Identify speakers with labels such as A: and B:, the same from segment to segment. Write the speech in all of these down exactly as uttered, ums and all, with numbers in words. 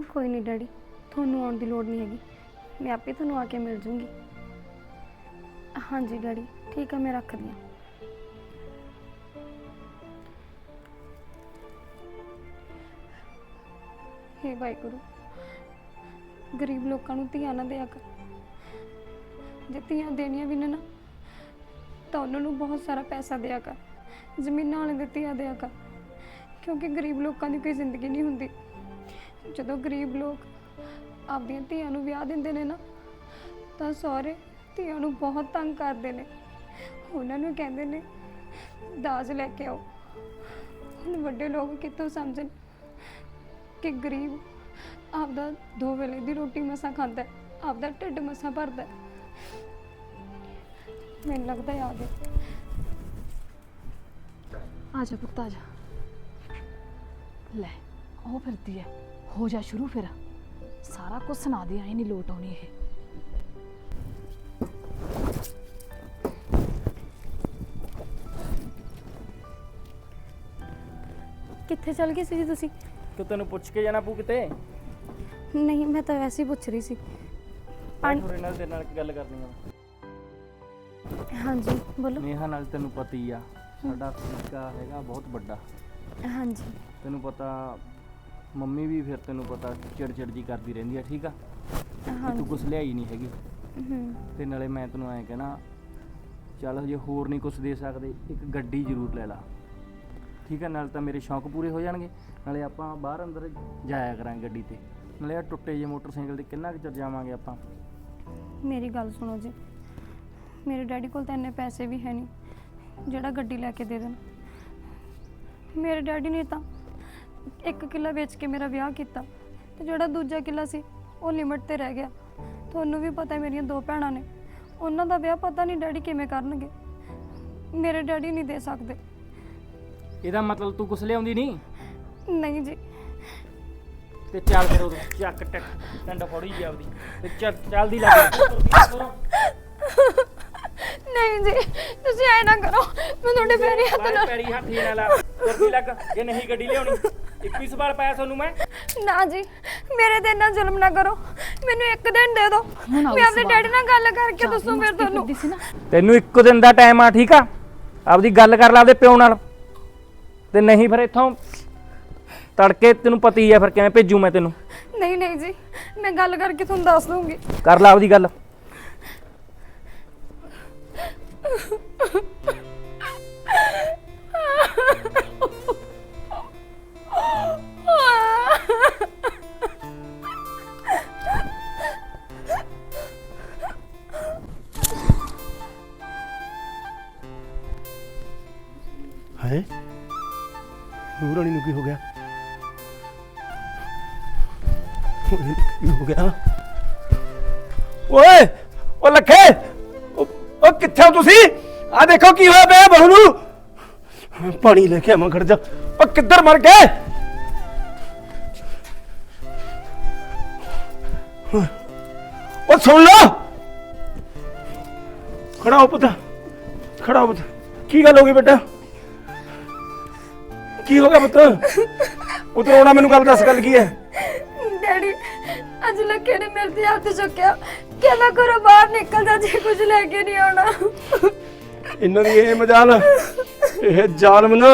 A: कोई नहीं डैडी, थोनू आउण दी लोड़ नहीं हैगी, मैं आपे थोनू आके मिल जूँगी। हाँ जी डैडी, ठीक है, मैं रख दी। हे वाहिगुरू, गरीब लोगों नूं धीआं ना दिया कर। जे धीआं देनियां भी ने ना तो उन्होंने बहुत सारा पैसा दिया कर, जमीन वाले दे धीआं दिया कर, क्योंकि गरीब लोगों की कोई जिंदगी नहीं हुंदी। जो गरीब लोग आपदियां धीआं नूं विआह दिंदे ने ना तो सहुरे धीआं नूं बहुत तंग करते हैं। उन्होंने कहते ने दाज लैके आओ। हुण वड्डे लोग कितों समझन कि गरीब आपदा दो वेले की रोटी मसा खाता है, आपदा ढिड मसा भरदा है। मैनूं लगदा है आ गए।
B: आ जा पुत्त आ जा। ले ओ फिरदी है, हो जा शुरू फिर। सारा कुछ सुना दिया, ही नहीं लोट आनी है।
A: कित्थे चल गए सी जी तुसी?
C: कि तेन पुछ के जाना पू किते?
A: नहीं, मैं तो वैसे ही पूछ रही सी।
C: पानी थोड़े नाल तेरे नाल गल करनी है।
A: हाँ जी बोलो।
C: नेहा नाल तेनू पता ही आ, साडा तरीका हैगा बहुत बड़ा।
A: हाँ जी
C: तेनू पता, मम्मी भी फिर तेनू पता चिड़ चिड़ जी करती रहंदी है, ठीक आ?
A: हाँ
C: तू कुछ लियाई नहीं हैगी
A: हम्म
C: ते नाले मैं तेनू ऐ कहना, चल जे होर नहीं कुछ दे सकदे, एक गड्डी जरूर ले ला, ठीक है? नाल तां मेरे शौक पूरे हो जाणगे, नाले आपां बाहर अंदर जाया करांगे गड्डी ते, नाले आ टुੱਟੇ जे मोटरसाइकिल ते किन्ना कुर जावांगे आपां।
A: मेरी गल सुनो जी, मेरे डैडी कोल तो इन्ने पैसे भी है नहीं जिहड़ा गड्डी लैके दे देन। मेरे डैडी ने तो एक किला बेच के मेरा विआह किया, तो जिहड़ा दूजा किला सी वो लिमिट ते रह गया। तुहानूं भी पता है मेरियां दो भैणां ने, उन्हां दा विआह पता नहीं डैडी किवें करनगे। मेरे डैडी नहीं दे सकदे।
C: ਇਹਦਾ ਮਤਲਬ ਤੂੰ ਕੁਛ ਲਿਆਉਂਦੀ ਨਹੀਂ?
A: नहीं जी।
C: ਤੇ ਚੱਲ ਫਿਰ ਉਦੋਂ ਚੱਕ ਟਕ ਟੰਡ ਫੋੜੀ ਜੀ ਆਪਦੀ ਤੇ ਚੱਲ ਚੱਲਦੀ ਲੱਗ।
A: नहीं जी, तुसीं ऐ ना करो, मैं तुहाडे पैरी हत्थ
C: ਬਾਹਰ
A: ना
C: ਪੈਰੀ ਹੱਥੀ ਨਾ ਲਾ, ਤੁਰਦੀ ਲੱਗ। ਜੇ ਨਹੀਂ ਗੱਡੀ ਲਿਆਉਣੀ ਇੱਕੋ ਹੀ ਸਵਾਲ ਪਾਇਆ ਤੁਹਾਨੂੰ ਮੈਂ।
A: ना जी, मेरे ते इन्ना जुल्म ना करो, मैनू एक दिन दे दो,
B: ਹੁਣ ਆਓ
A: मैं अपने
B: ਸਵਾਲ।
A: डैडी नाल गल करके
B: ਚਾਰ
A: दसूं फिर
B: ਮਸਤੀ
A: तुहानूं।
B: ਕਰਦੀ ਸੀ ਨਾ।
C: ਤੈਨੂੰ ਇੱਕੋ ਦਿਨ ਦਾ ਟਾਈਮ ਆ, ਠੀਕ ਆ? ਆਪਦੀ ਗੱਲ ਕਰ ਲੈ ਆਪਦੇ ਪਿਓ ਨਾਲ, ਤੇ ਨਹੀਂ ਫਿਰ ਇੱਥੋਂ ਤੜਕੇ ਤੈਨੂੰ ਪਤਾ ਹੀ ਆ ਫਿਰ ਕਿਵੇਂ ਭੇਜੂ ਮੈਂ ਤੈਨੂੰ।
A: नहीं नहीं जी, मैं गल करके तुहानूं दस दूंगी।
C: ਕਰ ਲੈ ਆਪਦੀ ਗੱਲ।
D: है नूर रानी नूं की हो गया? की हो गया? ओए ओ लखे, ओ, ओ कित्थे हो तुसी? आ देखो की होया पिया बहू नूं। पानी लेके आवां, खड़ जा। ओ किधर मर गए? ओ सुन लो, खड़ा हो पुत्त, खड़ा हो पुत्त। की गल हो गई बेटा? की हो गया पुत्त? पुत्त रोना, मैनू गल दस, गल की है?
A: डैडी अज लखे ने मेरे ते हत्थ चुक्या, कहना घरों बाहर निकल जा, जे कुछ लेके नहीं आना।
D: इन्हां दी एह मजाल, एह जालम ना,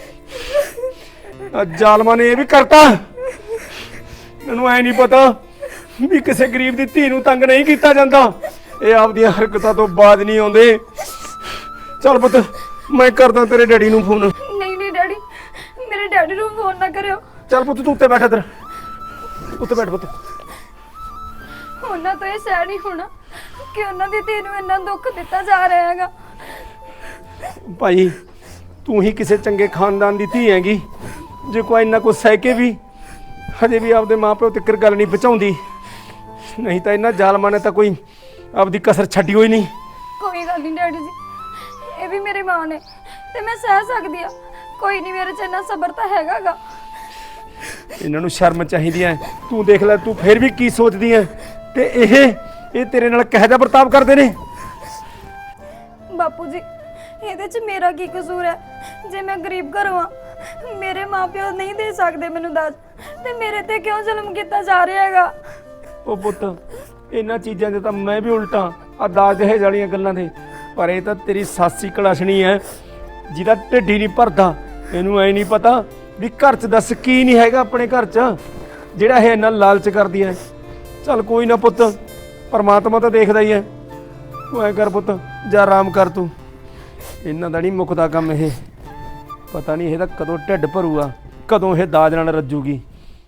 D: जालमा ने यह भी करता। मैनू ऐ नहीं पता भी किसी गरीब दी धी नूं तंग नहीं कीता जांदा। ਇਹ ਆਪਦੀਆਂ ਹਰਕਤਾਂ ਤੋਂ ਬਾਅਦ ਨਹੀਂ ਆਉਂਦੇ। ਚੱਲ ਪੁੱਤ, ਮੈਂ ਕਰਦਾ ਤੇਰੇ ਡੈਡੀ ਨੂੰ ਫੋਨ।
A: नहीं नहीं डैडी, मेरे डैडी नूं फोन ना करियो।
D: ਚੱਲ ਪੁੱਤ, ਤੂੰ ਉੱਤੇ ਬੈਠ, ਇੱਧਰ ਉੱਤੇ ਬੈਠ ਪੁੱਤ।
A: ਉਹਨਾਂ ਤੋਂ ਇਹ ਸਹਿ ਨਹੀਂ ਹੋਣਾ ਕਿ ਉਹਨਾਂ ਦੀ ਧੀ ਨੂੰ ਇੰਨਾ ਦੁੱਖ ਦਿੱਤਾ ਜਾ ਰਿਹਾ ਹੈਗਾ।
D: ਭਾਈ ਤੂੰ ਹੀ ਕਿਸੇ ਚੰਗੇ ਖਾਨਦਾਨ ਦੀ ਧੀ ਹੈਗੀ, ਜੇ ਕੋਈ ਇੰਨਾ ਕੁਛ ਸਹਿ ਕੇ ਵੀ ਹਜੇ ਵੀ ਆਪਦੇ ਮਾਪਿਓ ਤੱਕ ਗੱਲ ਨਹੀਂ ਪਹੁੰਚਾਉਂਦੀ। ਨਹੀਂ ਤਾਂ ਇਹਨਾਂ ਜ਼ਾਲਮਾਂ ਨੇ ਤਾਂ ਕੋਈ ਆਪਦੀ ਕਸਰ ਛੱਡੀ ਹੋਈ ਨਹੀਂ।
A: ਕੋਈ ਗੱਲ ਨਹੀਂ ਡੈਡੀ ਜੀ, ਇਹ ਵੀ ਮੇਰੀ ਮਾਂ ਨੇ ਤੇ ਮੈਂ ਸਹਿ ਸਕਦੀ ਆ। ਕੋਈ ਨਹੀਂ, ਮੇਰੇ ਚ ਇੰਨਾ ਸਬਰ ਤਾਂ ਹੈਗਾਗਾ।
D: ਇਹਨਾਂ ਨੂੰ ਸ਼ਰਮ ਚਾਹੀਦੀ ਹੈ। ਤੂੰ ਦੇਖ ਲੈ, ਤੂੰ ਫਿਰ ਵੀ ਕੀ ਸੋਚਦੀ ਹੈ? ਤੇ ਇਹ ਇਹ ਤੇਰੇ ਨਾਲ ਕਿਹੋ ਜਿਹਾ ਵਰਤਾਵ ਕਰਦੇ ਨੇ?
A: ਬਾਪੂ ਜੀ, ਇਹਦੇ 'ਚ ਮੇਰਾ ਕੀ ਕਸੂਰ ਹੈ? ਜੇ ਮੈਂ ਗਰੀਬ ਘਰੋਂ ਆ, ਮੇਰੇ ਮਾਪਿਓ ਨਹੀਂ ਦੇ ਸਕਦੇ ਮੈਨੂੰ ਦਾਜ, ਤੇ ਮੇਰੇ ਤੇ ਕਿਉਂ ਜ਼ੁਲਮ ਕੀਤਾ ਜਾ ਰਿਹਾ ਹੈਗਾ?
D: ਉਹ ਪੁੱਤ ਇਹਨਾਂ ਚੀਜ਼ਾਂ ਦੇ ਤਾਂ ਮੈਂ ਵੀ ਉਲਟਾ ਆ ਦਾਜ ਦਹੇਜ ਵਾਲੀਆਂ ਗੱਲਾਂ ਦੇ, ਪਰ ਇਹ ਤਾਂ ਤੇਰੀ ਸਾਸੀ ਕਲਾਸ਼ਣੀ ਹੈ ਜਿਹਦਾ ਢਿੱਡ ਹੀ ਨਹੀਂ ਭਰਦਾ। ਇਹਨੂੰ ਐ ਨਹੀਂ ਪਤਾ ਵੀ ਘਰ 'ਚ ਦੱਸ ਕੀ ਨਹੀਂ ਹੈਗਾ ਆਪਣੇ ਘਰ 'ਚ ਜਿਹੜਾ ਇਹ ਇੰਨਾ ਲਾਲਚ ਕਰਦੀ ਹੈ। ਚੱਲ ਕੋਈ ਨਾ ਪੁੱਤ, ਪਰਮਾਤਮਾ ਤਾਂ ਦੇਖਦਾ ਹੀ ਹੈ। ਤੂੰ ਐ ਕਰ ਪੁੱਤ, ਜਾ ਆਰਾਮ ਕਰ ਤੂੰ। ਇਹਨਾਂ ਦਾ ਨਹੀਂ ਮੁੱਕਦਾ ਕੰਮ ਇਹ, ਪਤਾ ਨਹੀਂ ਇਹਦਾ ਕਦੋਂ ਢਿੱਡ ਭਰੂਗਾ, ਕਦੋਂ ਇਹ ਦਾਜ ਨਾਲ ਰੱਜੂਗੀ।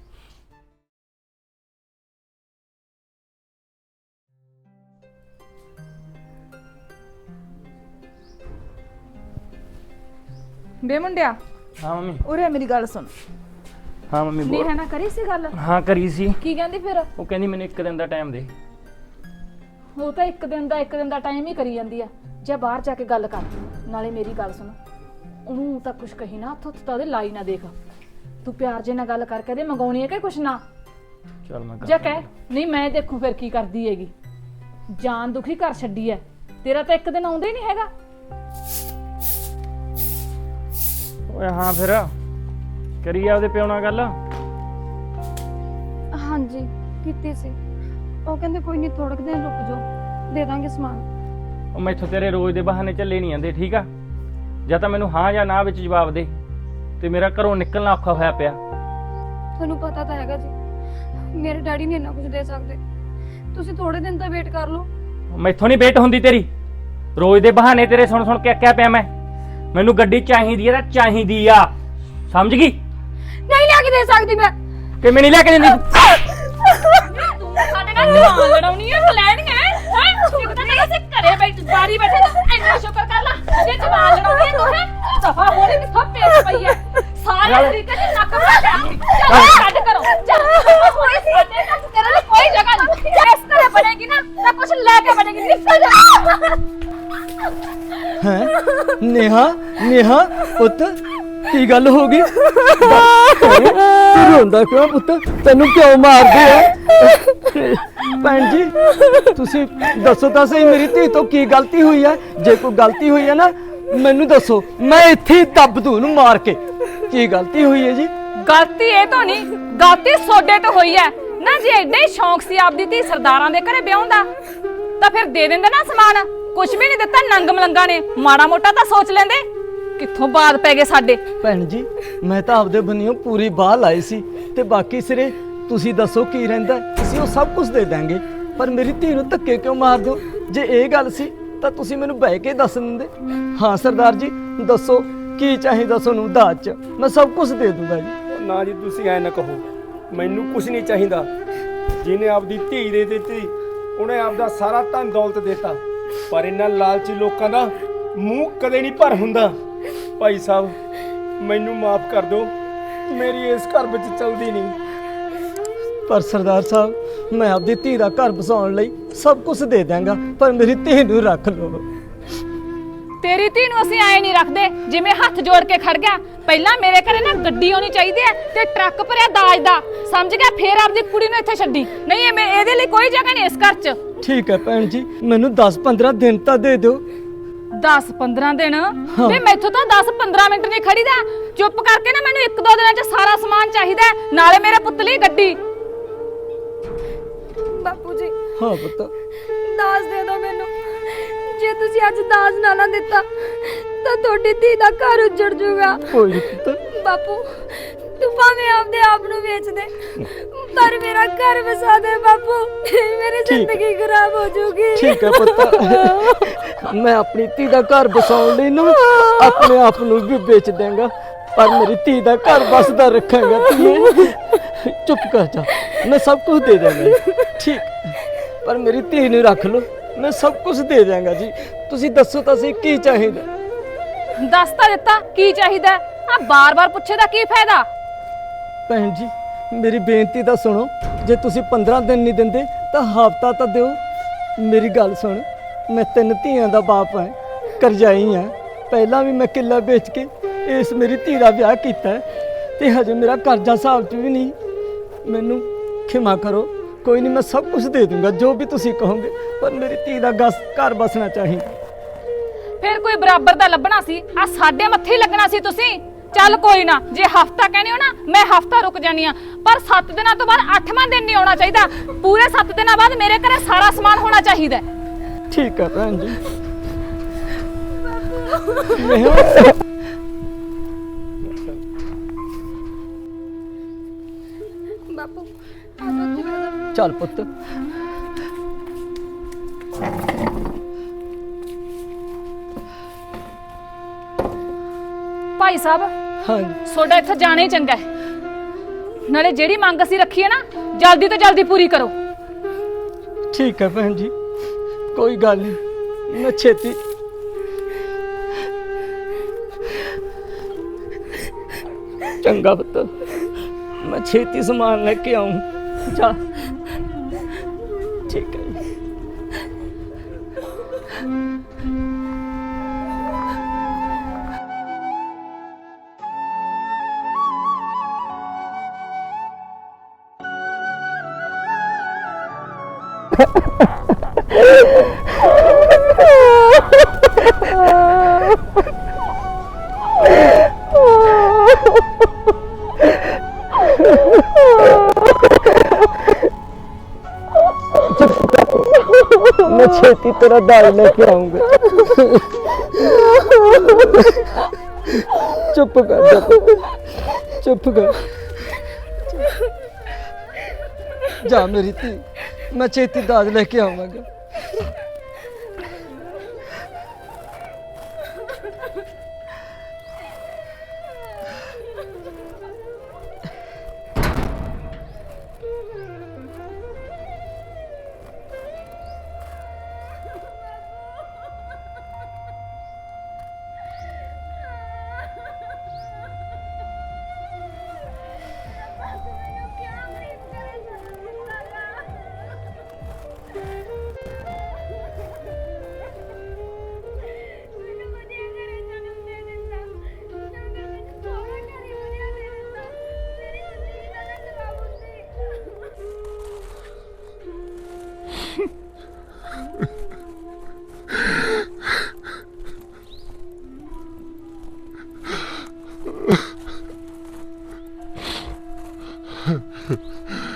B: ਬੇ ਮੁੰਡਿਆ,
C: ਹਾਂ ਮੰਮੀ।
B: ਉਰੇ ਮੇਰੀ ਗੱਲ ਸੁਣ।
C: ਹਾਂ ਮੰਮੀ
B: ਨਹੀਂ
C: ਬੋਲ।
B: ਹੈ ਨਾ ਕਰੀ ਸੀ ਗੱਲ?
C: ਹਾਂ ਕਰੀ ਸੀ।
B: ਕੀ ਕਹਿੰਦੀ ਫਿਰ?
C: ਉਹ ਕਹਿੰਦੀ ਮੈਨੂੰ ਇੱਕ ਦਿਨ ਦਾ ਟਾਈਮ ਦੇ।
B: ਉਹ ਤਾਂ ਇੱਕ ਦਿਨ ਦਾ ਇੱਕ ਦਿਨ ਦਾ ਟਾਈਮ ਹੀ ਕਰੀ ਜਾਂਦੀ ਆ। ਜੇ ਬਾਹਰ ਜਾ ਕੇ ਗੱਲ ਕਰ। ਨਾਲੇ ਮੇਰੀ ਗੱਲ ਸੁਣ, ਉਹਨੂੰ ਤਾਂ ਕੁਛ ਕਹੀ ਨਾ, ਹੱਥ ਹੱਥ ਤਾਂ ਉਹਦੇ ਲਾਈ ਨਾ ਦੇਖ। ਤੂੰ ਪਿਆਰ ਜੇ ਨਾਲ ਗੱਲ ਕਰਕੇ ਦੇ, ਮੰਗਾਉਣੀ ਹੈ ਕਿ ਕੁਛ ਨਾ।
C: ਚੱਲ ਮੈਂ
B: ਜੇ ਕਹਿ ਨਹੀਂ ਮੈਂ ਦੇਖੂ ਫਿਰ ਕੀ ਕਰਦੀ ਹੈਗੀ। ਜਾਨ ਦੁਖੀ ਕਰ ਛੱਡੀ ਐ, ਤੇਰਾ ਤਾਂ ਇੱਕ ਦਿਨ ਆਉਂਦਾ ਹੀ ਨਹੀਂ ਹੈਗਾ।
C: ਓਏ ਹਾਂ ਫਿਰ ਕਰੀ ਆ ਉਹਦੇ ਪਿਓ ਨਾਲ ਗੱਲ।
A: ਹਾਂਜੀ ਕੀਤੀ ਸੀ। ਉਹ ਕਹਿੰਦੇ ਕੋਈ ਨਹੀਂ, ਥੋੜੇ ਕੁ ਦਿਨ ਰੁਕ ਜਾਓ, ਦੇ ਦਾਂਗੇ ਸਮਾਨ।
C: ਉਹ ਮੈਥੋਂ ਤੇਰੇ ਰੋਜ਼ ਦੇ ਬਹਾਨੇ ਚੱਲੇ ਨਹੀਂ ਜਾਂਦੇ, ਠੀਕ ਆ? ਜਾਂ ਤਾਂ ਮੈਨੂੰ ਹਾਂ ਜਾਂ ਨਾ ਵਿੱਚ ਜਵਾਬ ਦੇ, ਤੇ ਮੇਰਾ ਘਰੋਂ ਨਿਕਲਣਾ ਔਖਾ ਹੋਇਆ ਪਿਆ।
A: ਤੁਹਾਨੂੰ ਪਤਾ ਤਾਂ ਹੈਗਾ ਜੀ, ਮੇਰੇ ਡੈਡੀ ਨਹੀਂ ਇੰਨਾ ਕੁਝ ਦੇ ਸਕਦੇ। ਤੁਸੀਂ ਥੋੜੇ ਦਿਨ ਤਾਂ ਵੇਟ ਕਰ ਲਓ।
C: ਮੈਥੋਂ ਨਹੀਂ ਵੇਟ ਹੁੰਦੀ ਤੇਰੀ। ਰੋਜ਼ ਦੇ ਬਹਾਨੇ ਤੇਰੇ ਸੁਣ ਸੁਣ ਕੇ ਅੱਕਿਆ ਪਿਆ ਮੈਂ। ਮੈਨੂੰ ਗੱਡੀ ਚਾਹੀਦੀ ਆ ਤਾਂ ਚਾਹੀਦੀ ਆ, ਸਮਝ ਗਈ?
A: ਨਹੀਂ ਲਿਆ ਕੇ ਦੇ ਸਕਦੀ ਮੈਂ।
C: ਕਿਵੇਂ ਨਹੀਂ ਲੈ ਕੇ ਦਿੰਦੀ?
B: ਤੂੰ ਸਾਡੇ ਨਾਲ ਜਵਾਨ ਲੜਾਉਣੀ ਹੈ, ਲੈਣੀ ਹੈ? ਹੈ ਇੱਕ ਤਾਂ ਤੇਰਾ ਸੇ ਘਰੇ ਬੈਠ ਬਾਰੀ ਬੈਠੇ ਤੂੰ ਇੰਨਾ ਸ਼ੁਕਰ ਕਰ ਲੈ ਜੇ ਜਵਾਨ ਲੜਾਉਣੀ ਹੈ ਤੂੰ। ਹੈ ਸਫਾ ਹੋਣੀ ਕਿੱਥੋਂ ਪੇਚ ਪਈ ਹੈ ਸਾਰੇ ਤਰੀਕੇ ਚ ਨੱਕ ਪਾ ਦੇ। ਚੱਲ ਕੱਢ ਕਰੋ, ਚੱਲ ਕੋਈ ਸਾਡੇ ਨਾਲ ਤੇਰੇ ਲਈ ਕੋਈ ਜਗ੍ਹਾ ਨਹੀਂ। ਜੇ ਇਸ ਤਰ੍ਹਾਂ ਬਣੇਗੀ ਨਾ ਤਾਂ ਕੁਝ ਲੈ ਕੇ ਬਣੇਗੀ। ਨਿਕਲ ਜਾ।
E: ਹੈ ਨੇਹਾ, ਨੇਹਾ ਪੁੱਤ ਕੀ ਗੱਲ ਹੋ ਗਈ? ਤੂੰ ਰੋਂਦਾ ਕਿਉਂ ਪੁੱਤ? ਤੈਨੂੰ ਕਿਉਂ ਮਾਰਦੇ ਆ? ਭੈਣ ਜੀ ਤੁਸੀਂ ਦੱਸੋ ਤਾਂ ਸਹੀ, ਮੇਰੀ ਧੀ ਤੋਂ ਕੀ ਗਲਤੀ ਹੋਈ ਹੈ? ਜੇ ਕੋਈ ਗਲਤੀ ਹੋਈ ਹੈ ਨਾ ਮੈਨੂੰ ਦੱਸੋ, ਮੈਂ ਇੱਥੇ ਹੀ ਦੱਬ ਦੂੰ ਉਹਨੂੰ ਮਾਰ ਕੇ। ਕੀ ਗਲਤੀ ਹੋਈ ਹੈ ਜੀ?
B: ਗਲਤੀ ਇਹ ਤੋਂ ਨਹੀਂ, ਗਲਤੀ ਸੋਡੇ ਤੋਂ ਹੋਈ ਹੈ ਨਾ। ਜੇ ਐਡਾ ਹੀ ਸ਼ੌਂਕ ਸੀ ਆਪਦੀ ਧੀ ਸਰਦਾਰਾਂ ਦੇ ਘਰੇ ਵਿਆਹੁਣ ਦਾ ਤਾਂ ਫਿਰ ਦੇ ਦਿੰਦੇ ਨਾ ਸਮਾਨ। ਕੁਝ ਵੀ ਨਹੀਂ ਦਿੱਤਾ ਨੰਗ ਮਲੰਗਾ ਨੇ, ਮਾੜਾ ਮੋਟਾ ਤਾਂ ਸੋਚ ਲੈਂਦੇ। ਕਿੱਥੋਂ ਬਾਦ ਪੈ ਗਏ ਸਾਡੇ।
E: ਭੈਣ ਜੀ ਮੈਂ ਤਾਂ ਆਪਦੇ ਬੰਨਿਓ ਪੂਰੀ ਬਾਹ ਲਾਈ ਸੀ, ਤੇ ਬਾਕੀ ਸਿਰੇ ਤੁਸੀਂ ਦੱਸੋ ਕੀ ਰਹਿੰਦਾ? ਅਸੀਂ ਉਹ ਸਭ ਕੁਝ ਦੇ ਦਾਂਗੇ, ਪਰ ਮੇਰੀ ਧੀ ਨੂੰ ਧੱਕੇ ਕਿਉਂ ਮਾਰ ਦਿਓ? ਜੇ ਇਹ ਗੱਲ ਸੀ ਤਾਂ ਤੁਸੀਂ ਮੈਨੂੰ ਬਹਿ ਕੇ ਦੱਸ ਦਿੰਦੇ। ਹਾਂ ਸਰਦਾਰ ਜੀ ਦੱਸੋ ਕੀ ਚਾਹੀਦਾ ਤੁਹਾਨੂੰ ਦਾਜ 'ਚ? ਮੈਂ ਸਭ ਕੁਝ ਦੇ ਦੂੰਗਾ ਜੀ।
D: ਨਾ ਜੀ ਤੁਸੀਂ ਐ ਨਾ ਕਹੋ, ਮੈਨੂੰ ਕੁਝ ਨਹੀਂ ਚਾਹੀਦਾ। ਜਿਹਨੇ ਆਪਦੀ ਧੀ ਦੇ ਦਿੱਤੀ, ਉਹਨੇ ਆਪਦਾ ਸਾਰਾ ਧਨ ਦੌਲਤ ਦਿੱਤਾ, ਪਰ ਇਹਨਾਂ ਲਾਲਚੀ ਲੋਕਾਂ ਦਾ ਮੂੰਹ ਕਦੇ ਨਹੀਂ ਭਰ ਹੁੰਦਾ। ਭਾਈ ਸਾਹਿਬ ਮੈਨੂੰ ਮਾਫ ਕਰ ਦਿਓ, ਮੇਰੀ ਇਸ ਘਰ ਵਿੱਚ ਚਲਦੀ ਨਹੀਂ।
E: ਪਰ ਸਰਦਾਰ ਸਾਹਿਬ ਮੈਂ ਆਪਦੀ ਧੀ ਦਾ ਘਰ ਬਸਾਉਣ ਲਈ ਸਭ ਕੁਝ ਦੇ ਦਾਂਗਾ, ਪਰ ਮੇਰੀ ਧੀ ਨੂੰ ਰੱਖ ਲਓ।
B: ਤੇਰੀ ਧੀ ਨੂੰ ਅਸੀਂ ਐ ਨਹੀਂ ਰੱਖਦੇ ਜਿਵੇਂ ਹੱਥ ਜੋੜ ਕੇ ਖੜ ਗਿਆ। ਪਹਿਲਾਂ ਮੇਰੇ ਘਰੇ ਨਾ ਗੱਡੀ ਆਉਣੀ ਚਾਹੀਦੀ ਹੈ ਤੇ ਟਰੱਕ ਭਰਿਆ ਦਾਜ ਦਾ, ਸਮਝ ਗਿਆ? ਫੇਰ ਆਪਦੀ ਕੁੜੀ ਨੂੰ ਇੱਥੇ ਛੱਡੀ। ਨਹੀਂ ਇਹ ਮੈਂ ਇਹਦੇ ਲਈ ਕੋਈ ਜਗ੍ਹਾ ਨਹੀਂ ਇਸ ਘਰ 'ਚ।
E: ਠੀਕ ਹੈ ਭੈਣ ਜੀ, ਮੈਨੂੰ ਦਸ ਪੰਦਰਾਂ ਦਿਨ ਤਾਂ ਦੇ ਦਿਓ।
B: ਦਸ ਪੰਦਰਾਂ ਦਿਨ? ਵੇ ਮੈਥੋਂ ਤਾਂ ਦਸ ਪੰਦਰਾਂ ਮਿੰਟ ਨਹੀਂ ਖੜੀਦਾ। ਚੁੱਪ ਕਰਕੇ ਨਾ ਮੈਨੂੰ ਇੱਕ ਦੋ ਦਿਨਾਂ 'ਚ ਸਾਰਾ ਸਮਾਨ ਚਾਹੀਦਾ, ਨਾਲੇ ਮੇਰੇ ਪੁੱਤ ਲਈ ਗੱਡੀ।
A: ਬਾਪੂ ਜੀ
E: ਹਾਂ ਪੁੱਤ
A: ਦਾਜ ਦੇ ਦਿਓ ਮੈਨੂੰ। ਜੇ ਤੁਸੀਂ ਅੱਜ ਦਾਜ ਨਾ ਨਾ ਦਿੱਤਾ ਤਾਂ ਤੁਹਾਡੀ ਧੀ ਦਾ ਘਰ ਉੱਜੜ ਜਾਊਗਾ।
E: ਕੋਈ ਨਹੀਂ ਪੁੱਤ।
A: ਬਾਪੂ ਤੂੰ ਭਾਵੇਂ ਆਪਦੇ ਆਪ ਨੂੰ ਵੇਚ ਦੇ, ਪਰ ਮੇਰਾ ਘਰ ਵਸਾ ਦੇ ਬਾਪੂ। ਮੇਰੀ ਜ਼ਿੰਦਗੀ ਖਰਾਬ ਹੋ ਜਾਊਗੀ।
E: ਠੀਕ ਹੈ ਪੁੱਤ, ਮੈਂ ਆਪਣੀ ਧੀ ਦਾ ਘਰ ਬਸਾਉਣ ਲਈ ਨੂੰ ਆਪਣੇ ਆਪ ਨੂੰ ਵੀ ਵੇਚ ਦੇਵਾਂਗਾ, ਪਰ ਮੇਰੀ ਧੀ ਦਾ ਘਰ ਬਸਦਾ ਰੱਖਾਂਗਾ। ਧੀਏ ਚੁੱਪ ਕਰ ਜਾ, ਮੈਂ ਸਭ ਕੁਝ ਦੇ ਦੇਵਾਂਗਾ। ਠੀਕ, ਪਰ ਮੇਰੀ ਧੀ ਨੂੰ ਰੱਖ ਲਓ, ਮੈਂ ਸਭ ਕੁਝ ਦੇ ਦੇਵਾਂਗਾ ਜੀ। ਤੁਸੀਂ ਦੱਸੋ ਤਾਂ ਸਹੀ ਕੀ ਚਾਹੀਦਾ?
B: ਦੱਸ ਤਾਂ ਦਿੱਤਾ ਕੀ ਚਾਹੀਦਾ, ਆ ਬਾਰ-ਬਾਰ ਪੁੱਛੇ ਦਾ ਕੀ ਫਾਇਦਾ?
E: ਭੈਣ ਜੀ ਮੇਰੀ ਬੇਨਤੀ ਤਾਂ ਸੁਣੋ, ਜੇ ਤੁਸੀਂ ਪੰਦਰਾਂ ਦਿਨ ਨਹੀਂ ਦਿੰਦੇ ਤਾਂ ਹਫ਼ਤਾ ਤਾਂ ਦਿਓ। ਮੇਰੀ ਗੱਲ ਸੁਣ, ਮੈਂ ਤਿੰਨ ਧੀਆਂ ਦਾ ਬਾਪ ਹਾਂ, ਕਰਜ਼ਾਈ ਹਾਂ। ਪਹਿਲਾਂ ਵੀ ਮੈਂ ਕਿੱਲਾ ਵੇਚ ਕੇ ਇਸ ਮੇਰੀ ਧੀ ਦਾ ਵਿਆਹ ਕੀਤਾ ਤੇ ਹਜੇ ਮੇਰਾ ਕਰਜ਼ਾ ਹਿਸਾਬ 'ਚ ਵੀ ਨਹੀਂ। ਮੈਨੂੰ ਖਿਮਾ ਕਰੋ, ਕੋਈ ਨਹੀਂ ਮੈਂ ਸਭ ਕੁਝ ਦੇ ਦੂੰਗਾ ਜੋ ਵੀ ਤੁਸੀਂ ਕਹੋਗੇ, ਪਰ ਮੇਰੀ ਧੀ ਦਾ ਗਸ ਘਰ ਬਸਣਾ ਚਾਹੀਦਾ।
B: ਫਿਰ ਕੋਈ ਬਰਾਬਰ ਦਾ ਲੱਭਣਾ ਸੀ। ਆ ਸਾਡੇ ਮੱਥੇ ਹੀ ਲੱਗਣਾ ਸੀ ਤੁਸੀਂ। ਚੱਲ ਕੋਈ ਨਾ, ਜੇ ਹਫਤਾ ਕਹਿੰਦੇ ਹੋ ਨਾ ਮੈਂ ਹਫਤਾ ਰੁਕ ਜਾਨੀ ਆ, ਪਰ ਸੱਤ ਦਿਨਾਂ ਤੋਂ ਬਾਅਦ ਅੱਠਵਾਂ ਦਿਨ ਨਹੀਂ ਆਉਣਾ ਚਾਹੀਦਾ। ਪੂਰੇ ਸੱਤ ਦਿਨਾਂ ਬਾਅਦ ਮੇਰੇ ਘਰੇ ਸਾਰਾ ਸਮਾਨ ਹੋਣਾ ਚਾਹੀਦਾ ਹੈ।
E: ਠੀਕ ਹੈ ਭੈਣ ਜੀ।
A: ਬਾਪੂ ਆ ਜਾ ਉੱਥੇ ਬਹਿ ਜਾ।
E: ਚੱਲ ਪੁੱਤ।
B: ਭਾਈ ਸਾਹਿਬ
E: ਹਾਂਜੀ
B: ਤੁਹਾਡਾ ਇੱਥੇ ਜਾਣਾ ਹੀ ਚੰਗਾ ਹੈ। ਨਾਲੇ ਜਿਹੜੀ ਮੰਗ ਅਸੀਂ ਰੱਖੀ ਹੈ ਨਾ ਜਲਦੀ ਤੋਂ ਜਲਦੀ ਪੂਰੀ ਕਰੋ।
E: ਠੀਕ ਹੈ ਭੈਣ ਜੀ, ਕੋਈ ਗੱਲ ਨਹੀਂ, ਮੈਂ ਛੇਤੀ ਚੰਗਾ ਪੁੱਤ, ਮੈਂ ਛੇਤੀ ਸਮਾਨ ਲੈ ਕੇ ਆऊं। ਜਾ ਠੀਕ ਹੈ ਜੀ। मैं छेती तेरा दाल लेके आऊंगा। चुप कर जा, चुप कर जा मेरी धी, मैं छेती दाल लेके आऊंगा।
F: Huh.